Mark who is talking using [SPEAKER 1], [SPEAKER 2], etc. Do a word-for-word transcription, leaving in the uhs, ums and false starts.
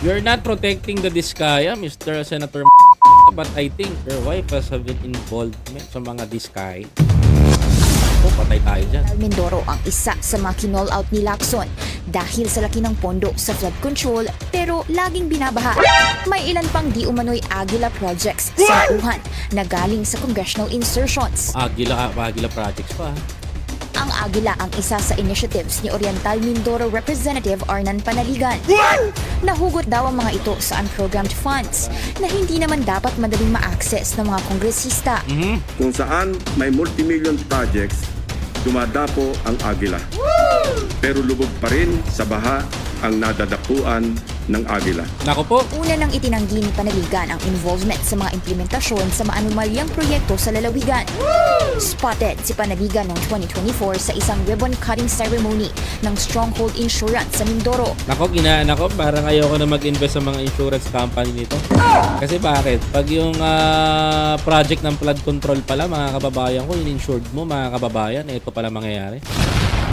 [SPEAKER 1] You're not protecting the Diskaya, Mister Senator but I think your wife has a bit involvement sa mga Diskaya. O, patay tayo dyan.
[SPEAKER 2] Mindoro ang isa sa mga kinall out ni Lacson dahil sa laki ng pondo sa flood control pero laging binabaha. May ilan pang di umano'y Agila projects sa Wuhan na galing sa congressional insertions.
[SPEAKER 1] Agila, Agila projects pa.
[SPEAKER 2] Ang Agila ang isa sa initiatives ni Oriental Mindoro Representative Arnan Panaligan. Nahugot daw ang mga ito sa unprogrammed funds na hindi naman dapat madaling ma-access ng mga kongresista.
[SPEAKER 1] Mm-hmm.
[SPEAKER 3] Kung saan may multimillion projects, dumadapo ang Agila. Pero lubog pa rin sa baha ang nadadapuan ng Agila.
[SPEAKER 1] Nako po.
[SPEAKER 2] Una nang itinanggi ni Panaligan ang involvement sa mga implementasyon sa maanumalyang proyekto sa lalawigan. Spotted si Panaligan noong twenty twenty-four sa isang ribbon-cutting ceremony ng Stronghold Insurance sa Mindoro.
[SPEAKER 1] Nako, ginaan ako. Parang ayoko na mag-invest sa mga insurance company nito. Kasi bakit? Pag yung ah, project ng flood control pala, mga kababayan ko, in-insured mo, mga kababayan, ito pala mangyayari.